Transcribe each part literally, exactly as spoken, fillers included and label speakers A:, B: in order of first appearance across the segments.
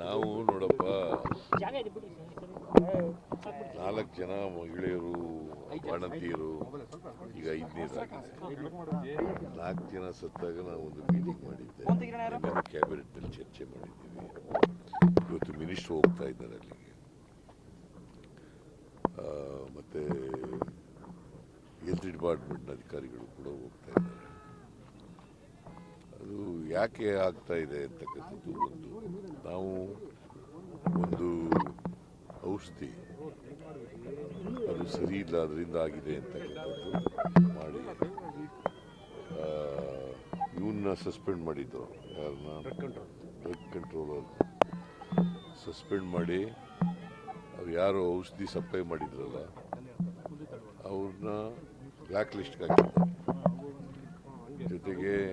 A: ನಾವು ನೋಡಪ್ಪ ನಾಲ್ಕು ಜನ ಮಹಿಳೆಯರು ಬಾಣಂತಿಯರು ಈಗ ಐದನೇದಾಗಿದೆ. ನಾಲ್ಕು ಜನ ಸತ್ತಾಗ ನಾವು ಒಂದು ಮೀಟಿಂಗ್ ಮಾಡಿದ್ದೆ, ಕ್ಯಾಬಿನೆಟ್ನಲ್ಲಿ ಚರ್ಚೆ ಮಾಡಿದ್ದೀವಿ. ಇವತ್ತು ಮಿನಿಸ್ಟರ್ ಹೋಗ್ತಾ ಇದ್ದಾರೆ ಅಲ್ಲಿಗೆ, ಮತ್ತು ಹೆಲ್ತ್ ಡಿಪಾರ್ಟ್ಮೆಂಟ್ನ ಅಧಿಕಾರಿಗಳು ಕೂಡ ಹೋಗ್ತಾ ಇದ್ದಾರೆ. ಅದು ಯಾಕೆ ಆಗ್ತಾ ಇದೆ ಅಂತಕ್ಕಂಥದ್ದು ಒಂದು, ನಾವು ಒಂದು ಔಷಧಿ ಅದು ಸರಿ ಇಲ್ಲ ಅದರಿಂದ ಆಗಿದೆ ಅಂತಕ್ಕಂಥದ್ದು ಮಾಡಿ ಇವನ್ನ ಸಸ್ಪೆಂಡ್ ಮಾಡಿದ್ದು, ಯಾರನ್ನ ಡ್ರಗ್ ಕಂಟ್ರೋಲರ್ ಸಸ್ಪೆಂಡ್ ಮಾಡಿ ಅವ್ರು ಯಾರು ಔಷಧಿ ಸಪ್ಲೈ ಮಾಡಿದ್ರಲ್ಲ ಅವ್ರನ್ನ ಬ್ಲ್ಯಾಕ್ ಲಿಸ್ಟ್ಗೆ ಹಾಕಿದ್ದಾರೆ. ಜೊತೆಗೆ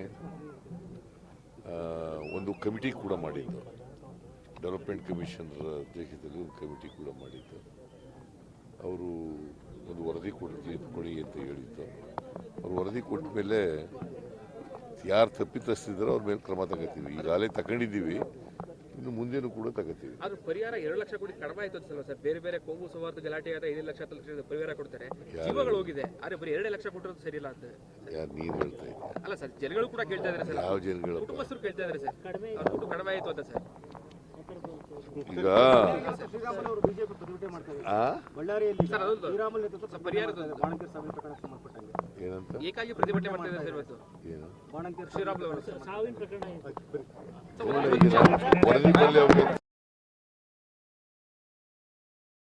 A: ಒಂದು ಕಮಿಟಿ ಕೂಡ ಮಾಡಿದ್ದು, ಡೆವಲಪ್ಮೆಂಟ್ ಕಮಿಷನರ್ ಅಧ್ಯಕ್ಷತೆಯಲ್ಲಿ ಒಂದು ಕಮಿಟಿ ಕೂಡ ಮಾಡಿದ್ದು. ಅವರು ಒಂದು ವರದಿ ಕೊಡ್ತೀವಿ ಕೊಡಿ ಅಂತ ಹೇಳಿದ್ದು. ಅವ್ರು ವರದಿ ಕೊಟ್ಟ ಮೇಲೆ ಯಾರು ತಪ್ಪಿತಸ್ಥಿದ್ದಾರೋ ಅವ್ರ ಮೇಲೆ ಕ್ರಮ ತಗೋತೀವಿ. ಈಗಾಗಲೇ ತಗೊಂಡಿದ್ದೀವಿ, ಇನ್ನು ಮುಂದೇನು ಕೂಡ ತಗೋತೀವಿ.
B: ಅದು ಪರಿಹಾರ ಎರಡು ಲಕ್ಷ ಕೋಟಿ ಕಡಿಮೆ ಆಯ್ತು ಅನ್ಸಲ್ಲ ಸರ್? ಬೇರೆ ಬೇರೆ ಕೋಮು ಸೌಹಾರ್ದ ಗಲಾಟೆ ಆದ ಐದು ಲಕ್ಷ ಹತ್ತು ಲಕ್ಷ ಪರಿಹಾರ ಕೊಡ್ತಾರೆ, ಜೀವಗಳು ಹೋಗಿದೆ. ಆದ್ರೆ ಬರೀ ಎರಡು ಲಕ್ಷ ಕೊಟ್ಟಿರೋದು ಸರಿ ಇಲ್ಲ ಅಂತ
A: ಯಾರು ನೀನು ಹೇಳ್ತಾ ಇದ್ದೀವಿ?
B: ಅಲ್ಲ ಸರ್, ಜನಗಳು ಕೂಡ ಕೇಳ್ತಾ ಇದ್ದಾರೆ ಸರ್.
A: ಯಾವ ಜನಗಳು?
B: ಕುಟುಂಬಸ್ಥರು ಕೇಳ್ತಾ ಇದ್ದಾರೆ ಸರ್, ದುಡ್ಡು ಕಡಿಮೆ ಆಯ್ತು ಅಂತ ಸರ್.
A: ಈಗ ಏನಂತ
B: ಏಕಾಗಿ ಪ್ರತಿಭಟನೆ ಮಾಡ್ತಾ ಇದ್ದಾರೆ ಸರ್ ಇವತ್ತು.
A: ಏನು
B: ಶ್ರೀರಾಮುಲು
A: ವರದಿ